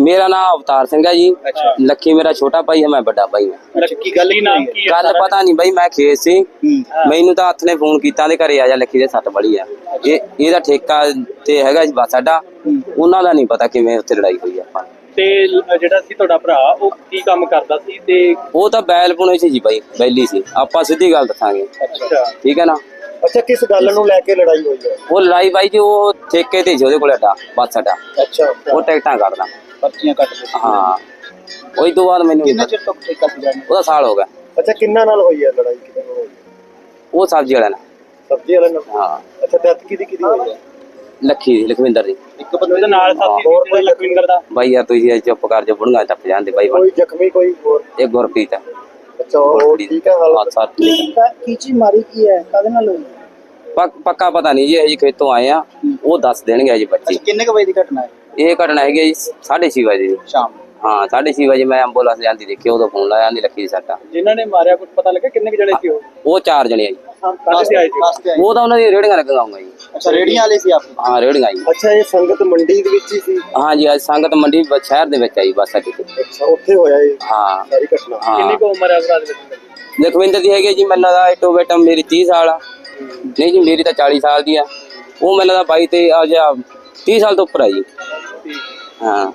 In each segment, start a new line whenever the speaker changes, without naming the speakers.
मेरा नाम अवतार सिंह है जी।
अच्छा।
लक्की मेरा छोटा भाई है, मैं बड़ा भाई हूँ।
अच्छा, की गल की
गल पता नहीं बई, मैं खेत सी, मैनू तो हथ ने फोन किया घरे आ जा, लक्की दे सट बड़ी है। ਇਹਦਾ ਠੇਕਾ ਤੇ ਹੈਗਾ ਜੀ ਬਸ ਸਾਡਾ, ਉਹਨਾਂ ਦਾ ਨਹੀਂ ਪਤਾ ਕਿਵੇਂ ਉੱਥੇ ਲੜਾਈ ਹੋਈ ਆਪਾਂ।
ਤੇ ਜਿਹੜਾ ਸੀ ਤੁਹਾਡਾ ਭਰਾ ਉਹ ਕੀ ਕੰਮ ਕਰਦਾ ਸੀ? ਤੇ
ਉਹ ਤਾਂ ਬੈਲ ਪੁਣੇ ਸੀ ਜੀ ਬਾਈ, ਬੈਲੀ ਸੀ। ਆਪਾਂ ਸਿੱਧੀ ਗੱਲ ਦੱਸਾਂਗੇ,
ਅੱਛਾ
ਠੀਕ ਹੈ ਨਾ।
ਅੱਛਾ, ਕਿਸ ਗੱਲ ਨੂੰ ਲੈ ਕੇ ਲੜਾਈ ਹੋਈ ਹੈ?
ਉਹ ਲੜਾਈ ਬਾਈ ਜੀ ਉਹ ਠੇਕੇ ਤੇ ਸੀ ਉਹਦੇ ਕੋਲ ਅੱਡਾ ਬਸ ਸਾਡਾ।
ਅੱਛਾ,
ਉਹ ਟਿਕਟਾਂ ਕੱਢਦਾ,
ਪਰਚੀਆਂ ਕੱਟ ਦਿੱਤੀਆਂ।
ਹਾਂ। ਉਹੀ ਤੋਂ ਬਾਅਦ ਮੈਨੂੰ
ਕਿੰਨੇ ਚਿਰ ਤੋਂ ਠੇਕਾ ਸੀ ਜਾਣਾ?
ਉਹਦਾ ਸਾਲ ਹੋ ਗਿਆ।
ਅੱਛਾ, ਕਿੰਨਾ ਨਾਲ ਹੋਈ ਹੈ ਲੜਾਈ? ਕਿਹਦੇ ਨਾਲ ਹੋਈ?
ਉਹ ਸਬਜ਼ੀ ਵਾਲਾ ਨਾਲ।
ਸਬਜ਼ੀ ਵਾਲੇ ਨਾਲ?
ਹਾਂ।
ਅੱਛਾ, ਡੈਥ ਕਿਹਦੀ ਹੋਈ ਹੈ?
ਲੱਖੀ ਦੀ, ਲਖਵਿੰਦਰ ਦੀ।
ਇੱਕ ਬੰਦੇ ਦੇ ਨਾਲ ਸਾਥੀ
ਹੋਰ
ਸੀ ਲਖਵਿੰਦਰ ਦਾ।
ਬਾਈ ਯਾਰ ਤੁਸੀਂ ਚੁੱਪ ਕਰ ਜਾ, ਬੁੜੀਆਂ ਟੱਪ ਜਾਂਦੇ ਬਾਈ।
ਕੋਈ ਜ਼ਖਮੀ ਕੋਈ ਹੋਰ?
ਇਹ ਗੁਰਪ੍ਰੀਤ ਹੈ।
ਅੱਛਾ, ਉਹ ਠੀਕ ਹੈ ਹਾਲਤ?
ਸੱਤ ਠੀਕ ਹੈ।
ਕੀ ਚੀਜ਼ ਮਾਰੀ ਕੀ ਹੈ, ਕਾਹਦੇ ਨਾਲ ਹੋਈ?
ਪੱਕਾ ਪਤਾ ਨਹੀਂ ਜੀ, ਅਜੇ ਖੇਤੋਂ ਆਏ ਆ, ਉਹ ਦੱਸ ਦੇਣਗੇ ਜੀ ਬੱਚੇ।
ਕਿੰਨੇ ਕੁ ਵਜੇ ਦੀ ਘਟਨਾ ਹੈ?
ਇਹ ਘਟਨਾ ਹੈਗੀ ਜੀ 6:30 ਵਜੇ ਦੀ
ਸ਼ਾਮ।
ਹਾਂ 6:30 ਵਜੇ ਮੈਂ ਐਂਬੂਲੈਂਸ ਜਾਂਦੀ ਦੇਖੀ, ਉਦੋਂ ਫੋਨ ਲਾਇਆ, ਆਂਦੀ ਲੱਖੀ ਦੀ ਸੱਟ ਆ।
ਜਿਨ੍ਹਾਂ ਨੇ ਮਾਰਿਆ ਕੁਝ ਪਤਾ ਲੱਗਾ ਕਿੰਨੇ ਕੁ ਜਣੇ ਸੀ ਉਹ?
ਉਹ 4 ਜਣੇ ਆ ਜੀ।
ਕਾਹਦੇ ਤੇ ਆਏ ਸੀ?
ਉਹ ਤਾਂ ਉਹਨਾਂ ਦੀ ਰੇੜੀਆਂ ਲੱਗੀਆਂ ਹੋਊਗਾ ਜੀ।
ਅੱਛਾ, ਰੇੜੀਆਂ ਵਾਲੇ ਸੀ ਆਪ?
ਹਾਂ ਰੇੜੀਆਂ ਜੀ।
ਅੱਛਾ, ਇਹ ਸੰਗਤ ਮੰਡੀ ਦੇ ਵਿੱਚ ਹੀ ਸੀ?
ਹਾਂ ਜੀ, ਅੱਜ ਸੰਗਤ ਮੰਡੀ ਸ਼ਹਿਰ ਦੇ ਵਿੱਚ ਆਈ ਬੱਸ ਅੱਡੇ ਤੇ।
ਅੱਛਾ, ਉੱਥੇ ਹੋਇਆ ਇਹ
ਹਾਂ
ਸਾਰੀ ਘਟਨਾ?
ਕਿੰਨੀ
ਹਾਂ।
ਕੁ ਉਮਰ ਹੈ ਭਰਾ ਦੇ ਵਿੱਚ?
ਲਖਵਿੰਦਰ ਦੀ ਹੈਗੀ ਜੀ ਮੈਨੂੰ ਲੱਗਦਾ ਇਟੋ ਬੇਟਮ ਮੇਰੀ 30 ਸਾਲ ਆ। ਨਹੀਂ ਜੀ, ਮੇਰੀ ਤਾਂ 40 ਸਾਲ ਦੀ ਆ। ਉਹ ਮੈਨੂੰ ਲੱਗਦਾ 22 ਤੇ ਆ ਜਾ 30 ਸਾਲ ਤੋਂ ਉੱਪਰ ਆ ਜੀ। ਹਾਂ।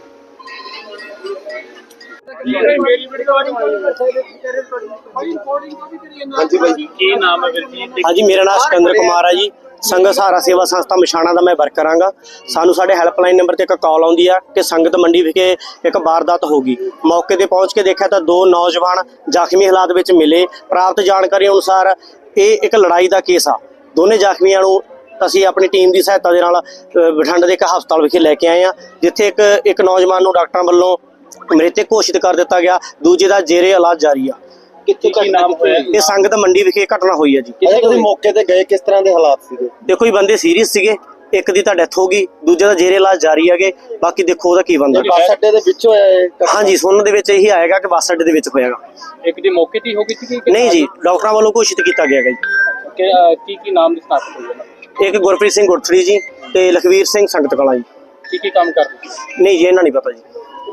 ਹਾਂਜੀ ਬਾਈ,
ਕੀ ਨਾਮ ਹੈ ਵੀਰ ਜੀ?
ਹਾਂਜੀ, ਮੇਰਾ ਨਾਮ ਸਿਕੰਦਰ ਕੁਮਾਰ ਹੈ ਜੀ। ਸੰਗਤ ਸਹਾਰਾ ਸੇਵਾ ਸੰਸਥਾ ਮਛਾਣਾ ਦਾ ਮੈਂ ਵਰਕਰ ਹਾਂਗਾ। ਸਾਨੂੰ ਸਾਡੇ ਹੈਲਪਲਾਈਨ ਨੰਬਰ ਤੇ ਇੱਕ ਕਾਲ ਆਉਂਦੀ ਆ ਕਿ ਸੰਗਤ ਮੰਡੀ ਵਿਖੇ ਇੱਕ ਵਾਰਦਾਤ ਹੋ ਗਈ। ਮੌਕੇ ਤੇ ਪਹੁੰਚ ਕੇ ਦੇਖਿਆ ਤਾਂ 2 ਨੌਜਵਾਨ ਜ਼ਖਮੀ ਹਾਲਾਤ ਵਿੱਚ ਮਿਲੇ। ਪ੍ਰਾਪਤ ਜਾਣਕਾਰੀ ਅਨੁਸਾਰ ਇਹ ਇੱਕ ਲੜਾਈ ਦਾ ਕੇਸ ਆ। ਦੋਨੇ ਜ਼ਖਮੀਆਂ ਨੂੰ ਅਸੀਂ ਆਪਣੀ ਟੀਮ ਦੀ ਸਹਾਇਤਾ ਦੇ ਨਾਲ ਬਠਿੰਡੇ ਦੇ ਇੱਕ ਹਸਪਤਾਲ ਵਿਖੇ ਲੈ ਕੇ ਆਏ ਆ, ਜਿੱਥੇ ਇੱਕ ਨੌਜਵਾਨ ਨੂੰ ਡਾਕਟਰਾਂ ਵੱਲੋਂ ਮ੍ਰਿਤਕ ਘੋਸ਼ਿਤ ਕਰ ਦਿੱਤਾ ਗਿਆ, ਦੂਜੇ ਦਾ ਜੇਰੇ ਇਲਾਜ ਜਾਰੀ ਆ।
ਕਿੱਥੇ ਕੀ ਨਾਮ ਹੋਇਆ?
ਇਹ ਸੰਗਤ ਮੰਡੀ ਵਿਖੇ ਘਟਨਾ ਹੋਈ ਹੈ ਜੀ।
ਤੁਸੀਂ ਮੌਕੇ ਤੇ ਗਏ, ਕਿਸ ਤਰ੍ਹਾਂ ਦੇ ਹਾਲਾਤ ਸੀਗੇ?
ਦੇਖੋ ਜੀ, ਬੰਦੇ ਸੀਰੀਅਸ ਸੀਗੇ, ਇੱਕ ਦੀ ਤਾਂ ਡੈਥ ਹੋ ਗਈ, ਦੂਜੇ ਦਾ ਜੇਰੇ ਇਲਾਜ ਜਾਰੀ ਹੈਗੇ। ਬਾਕੀ ਦੇਖੋ ਉਹਦਾ ਕੀ ਬਣਦਾ।
ਬੱਸ ਅੱਡੇ ਦੇ ਵਿੱਚ ਹੋਇਆ ਇਹ?
ਹਾਂਜੀ, ਸੁਣਨ ਦੇ ਵਿੱਚ ਇਹੀ ਆਏਗਾ ਕਿ ਬੱਸ ਅੱਡੇ ਦੇ ਵਿੱਚ ਹੋਏਗਾ।
ਇੱਕ ਦੀ ਮੌਕੇ ਤੇ ਹੀ ਹੋ ਗਈ ਸੀ ਕਿ
ਨਹੀਂ ਜੀ, ਡਾਕਟਰਾਂ ਵੱਲੋਂ ਘੋਸ਼ਿਤ ਕੀਤਾ ਗਿਆ ਹੈ ਜੀ।
ਕੀ ਨਾਮ ਦੀ ਸਨਾਖਤ ਹੋਈ ਹੈ?
ਇੱਕ ਗੁਰਪ੍ਰੀਤ ਸਿੰਘ ਗੁਰਥੜੀ ਜੀ ਤੇ ਲਖਵੀਰ ਸਿੰਘ ਸੰਗਤ ਕਲਾਂ ਜੀ।
ਕੀ ਕੰਮ ਕਰਦੇ ਸੀ?
ਨਹੀਂ ਜੀ, ਇਹਨਾਂ ਨਹੀਂ ਪਤਾ ਜੀ।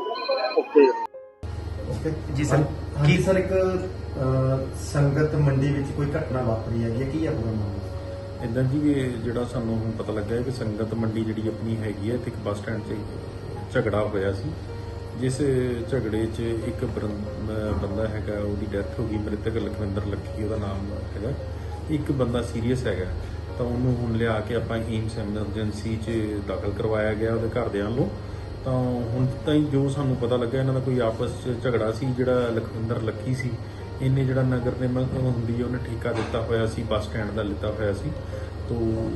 ਜੀ ਸਰ, ਕੀ ਸਰ ਇੱਕ ਸੰਗਤ ਮੰਡੀ ਵਿੱਚ ਕੋਈ ਘਟਨਾ ਵਾਪਰੀ ਹੈਗੀ ਹੈ, ਕੀ ਹੈ ਪੂਰਾ ਮਾਮਲਾ?
ਇੱਦਾਂ ਜੀ ਇਹ ਜਿਹੜਾ ਸਾਨੂੰ ਹੁਣ ਪਤਾ ਲੱਗਾ ਹੈ ਕਿ ਸੰਗਤ ਮੰਡੀ ਜਿਹੜੀ ਆਪਣੀ ਹੈਗੀ ਹੈ ਤੇ ਇੱਕ ਬੱਸ ਸਟੈਂਡ 'ਤੇ ਝਗੜਾ ਹੋਇਆ ਸੀ, ਜਿਸ ਝਗੜੇ 'ਚ ਇੱਕ ਬੰਦਾ ਹੈਗਾ, ਉਹਦੀ ਡੈਥ ਹੋ ਗਈ। ਮ੍ਰਿਤਕ ਲਖਵਿੰਦਰ ਲੱਖੀ ਉਹਦਾ ਨਾਮ ਹੈਗਾ। ਇੱਕ ਬੰਦਾ ਸੀਰੀਅਸ ਹੈਗਾ, ਤਾਂ ਉਹਨੂੰ ਹੁਣ ਲਿਆ ਕੇ ਆਪਾਂ ਏਮਸ ਐਮਰਜੈਂਸੀ 'ਚ ਦਾਖਲ ਕਰਵਾਇਆ ਗਿਆ ਉਹਦੇ ਘਰਦਿਆਂ ਨੂੰ। ਤਾਂ ਹੁਣ ਤਾਈਂ ਜੋ ਸਾਨੂੰ ਪਤਾ ਲੱਗਾ, ਇਹਨਾਂ ਦਾ ਕੋਈ ਆਪਸ 'ਚ ਝਗੜਾ ਸੀ। ਜਿਹੜਾ ਲਖਵਿੰਦਰ ਲੱਖੀ ਸੀ, ਇਹਨੇ ਜਿਹੜਾ ਨਗਰ ਨਿਗਮ ਹੁੰਦੀ ਹੈ ਉਹਨੇ ਠੇਕਾ ਦਿੱਤਾ ਹੋਇਆ ਸੀ, ਬੱਸ ਸਟੈਂਡ ਦਾ ਲਿੱਤਾ ਹੋਇਆ ਸੀ। ਤੋ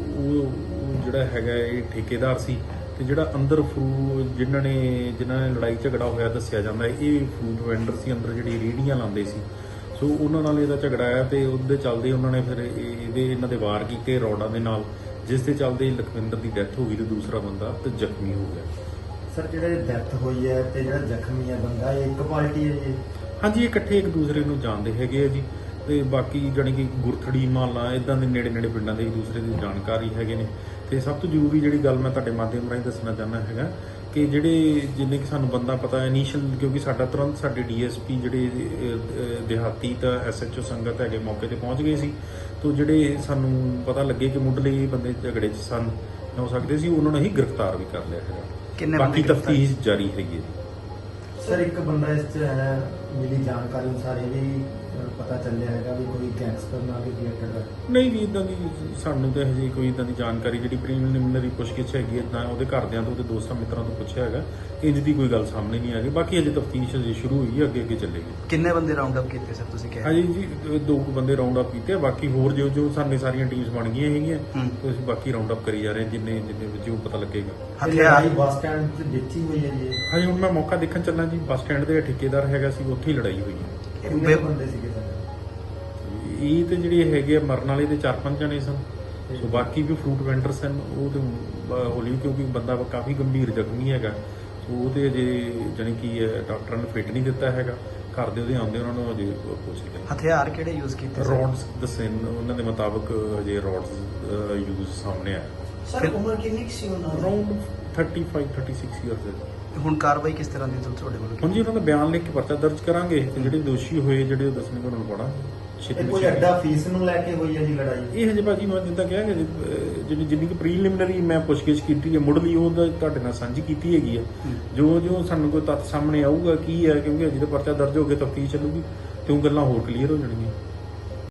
ਉਹ ਜਿਹੜਾ ਹੈਗਾ ਇਹ ਠੇਕੇਦਾਰ ਸੀ। ਤੇ ਜਿਹੜਾ ਅੰਦਰ ਜਿਨ੍ਹਾਂ ਨੇ ਲੜਾਈ ਝਗੜਾ ਹੋਇਆ ਦੱਸਿਆ ਜਾਂਦਾ ਇਹ ਫਰੂਟ ਵੈਂਡਰ ਸੀ, ਅੰਦਰ ਜਿਹੜੀ ਰੇਹੜੀਆਂ ਲਾਉਂਦੇ ਸੀ। ਸੋ ਉਹਨਾਂ ਨਾਲ ਇਹਦਾ ਝਗੜਾ ਆਇਆ ਤੇ ਉਹਦੇ ਚੱਲਦੇ ਉਹਨਾਂ ਨੇ ਫਿਰ ਇਹਨਾਂ ਦੇ ਵਾਰ ਕੀਤੇ ਰੋਡਾਂ ਦੇ ਨਾਲ, ਜਿਸ ਦੇ ਚੱਲਦੇ ਲਖਵਿੰਦਰ ਦੀ ਡੈਥ ਹੋ ਗਈ ਤੇ ਦੂਸਰਾ ਬੰਦਾ ਤੇ ਜ਼ਖਮੀ ਹੋ ਗਿਆ।
ਸਰ, ਜਿਹੜੇ ਡੈਥ ਹੋਈ ਹੈ ਤੇ ਜਿਹੜਾ ਜ਼ਖਮੀ ਹੈ ਬੰਦਾ, ਇਹ ਇੱਕ ਪਾਰਟੀ ਹੈ ਜੀ?
ਹਾਂਜੀ, ਇਹ ਇਕੱਠੇ ਇੱਕ ਦੂਸਰੇ ਨੂੰ ਜਾਣਦੇ ਹੈਗੇ ਆ ਜੀ। ਤੇ ਬਾਕੀ ਜਾਣੀ ਕਿ ਗੁਰਥੜੀ ਮਾਲਾ ਇਦਾਂ ਦੇ ਨੇੜੇ ਪਿੰਡਾਂ ਦੇ ਇੱਕ ਦੂਸਰੇ ਦੀ ਜਾਣਕਾਰੀ ਹੈਗੇ ਨੇ। ਤੇ ਸਭ ਤੋਂ ਜ਼ਰੂਰੀ ਜਿਹੜੀ ਗੱਲ ਮੈਂ ਤੁਹਾਡੇ ਮਾਧਿਅਮ ਰਾਹੀਂ ਦੱਸਣਾ ਚਾਹੁੰਦਾ ਹੈਗਾ ਕਿ ਜਿੰਨੇ ਕਿ ਸਾਨੂੰ ਬੰਦਾ ਪਤਾ ਇਨੀਸ਼ੀਅਲ, ਕਿਉਂਕਿ ਤੁਰੰਤ ਸਾਡੇ ਡੀਐਸਪੀ ਜਿਹੜੇ ਦਿਹਾਤੀ ਤਾਂ ਐਸਐਚਓ ਸੰਗਤ ਹੈਗੇ ਮੌਕੇ ਤੇ ਪਹੁੰਚ ਗਏ ਸੀ। ਤੋਂ ਜਿਹੜੇ ਸਾਨੂੰ ਪਤਾ ਲੱਗੇ ਕਿ ਮੁੱਢਲੇ ਬੰਦੇ ਝਗੜੇ 'ਚ ਸਨ ਹੋ ਸਕਦੇ ਸੀ, ਉਹਨਾਂ ਨੂੰ ਹੀ ਗ੍ਰਿਫਤਾਰ ਵੀ ਕਰ ਲਿਆ ਹੈਗਾ। ਬਾਕੀ ਤਫਤੀਸ਼ ਜਾਰੀ ਹੈਗੀ ਹੈ ਜੀ।
ਸਰ, ਇੱਕ ਬੰਦਾ ਇਸ 'ਚ ਹੈ, ਮਿਲੀ ਜਾਣਕਾਰੀ ਅਨੁਸਾਰ ਇਹ ਵੀ ਪਤਾ ਚੱਲਿਆ ਹੈਗਾ ਵੀ ਕੋਈ ਗੈਂਗਸਟਰ ਨਾਲ ਵੀ ਰਿਲੇਟਡ ਹੈ?
ਨਹੀਂ ਜੀ, ਇਦਾਂ ਦੀ ਸਾਨੂੰ ਤਾਂ ਹਜੇ ਕੋਈ ਇਦਾਂ ਦੀ ਜਾਣਕਾਰੀ ਜਿਹੜੀ ਪ੍ਰੀਲਿਮਿਨਰੀ ਪੁੱਛਗਿੱਛ ਹੈਗੀ ਹੈ, ਨਾ ਉਹਦੇ ਘਰਦਿਆਂ ਤੋਂ ਤੇ ਦੋਸਤਾਂ ਮਿੱਤਰਾਂ ਤੋਂ ਪੁੱਛਿਆ ਹੈਗਾ, ਇੰਜ ਦੀ ਕੋਈ ਗੱਲ ਸਾਹਮਣੇ ਨਹੀਂ ਆ ਗਈ। ਬਾਕੀ ਹਜੇ ਤਫਤੀਸ਼ ਹਜੇ ਸ਼ੁਰੂ ਹੋਈ ਹੈ, ਅੱਗੇ ਚੱਲੇਗੀ।
ਕਿੰਨੇ ਬੰਦੇ ਰਾਉਂਡ ਅਪ ਕੀਤੇ ਸਰ ਤੁਸੀਂ ਕਿਹਾ?
ਹਾਂਜੀ ਜੀ, 2 ਬੰਦੇ ਰਾਉਂਡ ਅਪ ਕੀਤੇ। ਬਾਕੀ ਹੋਰ ਜੋ ਸਾਨੂੰ ਸਾਰੀਆਂ ਟੀਮਸ ਬਣ ਗਈਆਂ ਹੈਗੀਆਂ, ਤੇ ਅਸੀਂ ਬਾਕੀ ਰਾਉਂਡ ਅਪ ਕਰੀ ਜਾ ਰਹੇ ਹਾਂ, ਜਿੰਨੇ ਜੋ ਪਤਾ ਲੱਗੇਗਾ।
ਹਥਿਆਰ ਬੱਸ ਸਟੈਂਡ 'ਚ ਵਿੱਚ ਹੀ ਹੋਈ ਹੈ ਜੀ?
ਹਾਂਜੀ, ਹੁਣ ਮੈਂ ਮੌਕਾ ਦੇਖਣ ਚੱਲਾਂ ਜੀ। ਬੱਸ ਸਟੈਂਡ ਦੇ ਠੇਕੇਦਾਰ ਹੈਗਾ ਸੀ, ਉੱਥੇ ਹੀ ਲੜਾਈ ਹੋਈ ਹੈ।
ਕਿੰਨੇ ਬੰਦੇ ਸੀਗੇ ਸਰ?
ਇਹ ਤੇ ਜਿਹੜੇ ਹੈਗੇ ਆ ਮਰਨ ਵਾਲੇ ਦੇ 4-5 ਜਣੇ ਸਨ। ਸੋ ਬਾਕੀ ਵੀ ਫਰੂਟ ਵੈਂਡਰ ਸਨ, ਉਹ ਤੇ ਹੌਲੀ, ਕਿਉਂਕਿ ਬੰਦਾ ਕਾਫੀ ਗੰਭੀਰ ਜ਼ਖਮੀ ਹੈਗਾ। ਸੋ ਉਹ ਤੇ ਅਜੇ ਜਾਣੀ ਕਿ ਡਾਕਟਰਾਂ ਨੇ ਫਿੱਟ ਨਹੀਂ ਦਿੱਤਾ ਹੈਗਾ। ਘਰ ਦੇ ਉਹਦੇ ਆਉਂਦੇ ਉਹਨਾਂ ਨੂੰ ਅਜੇ ਪੁੱਛ ਰਹੇ।
ਹਥਿਆਰ ਕਿਹੜੇ ਯੂਜ਼ ਕੀਤੇ?
ਰੋਡਸ ਦੱਸੇ ਉਹਨਾਂ ਦੇ ਮੁਤਾਬਕ ਅਜੇ ਰੋਡਸ ਯੂਜ਼ ਸਾਹਮਣੇ ਆਇਆ।
ਸਰ, ਉਮਰ ਕਿੰਨੀ ਸੀ ਉਹਨਾਂ ਦੀ?
ਅਰਾਊਂਡ 35-36 ਇਅਰਸ ਹੈ।
ਹੁਣ ਕਾਰਵਾਈ ਕਿਸ ਤਰ੍ਹਾਂ ਦੀ ਤੁਹਾਡੇ ਵੱਲੋਂ
ਹੁਣ ਜੀ ਉਹਨਾਂ ਦਾ ਬਿਆਨ ਲਿਖ ਕੇ ਪਰਚਾ ਦਰਜ ਕਰਾਂਗੇ ਤੇ ਜਿਹੜੇ ਦੋਸ਼ੀ ਹੋਏ ਜਿਹੜੇ ਉਹ ਦੱਸਣਗੇ ਉਹਨਾਂ ਨੂੰ ਪੜਾਂਗੇ
ਇਹ ਕੋਈ ਅੱਡਾ ਫੀਸ ਨੂੰ ਲੈ ਕੇ ਹੋਈ ਹੈ ਜੀ ਲੜਾਈ?
ਇਹ ਹਜੇ ਭਾਜੀ ਮੈਂ ਜਿੱਦਾਂ ਕਿਹਾ ਕਿ ਜਿੰਨੀ ਕਿ ਪ੍ਰੀਲਿਮਿਨਰੀ ਮੈਂ ਪੁੱਛਗਿੱਛ ਕੀਤੀ ਹੈ ਮੁੱਢਲੀ ਉਹ ਤੁਹਾਡੇ ਨਾਲ ਸਾਂਝੀ ਕੀਤੀ ਹੈਗੀ ਹੈ। ਜੋ ਸਾਨੂੰ ਕੋਈ ਤੱਥ ਸਾਹਮਣੇ ਆਊਗਾ ਕੀ ਹੈ, ਕਿਉਂਕਿ ਅਜੇ ਤਾਂ ਪਰਚਾ ਦਰਜ ਹੋ ਕੇ ਤਫਤੀਸ਼ ਚੱਲੂਗੀ ਤੇ ਉਹ ਗੱਲਾਂ ਹੋਰ ਕਲੀਅਰ ਹੋ ਜਾਣਗੀਆਂ।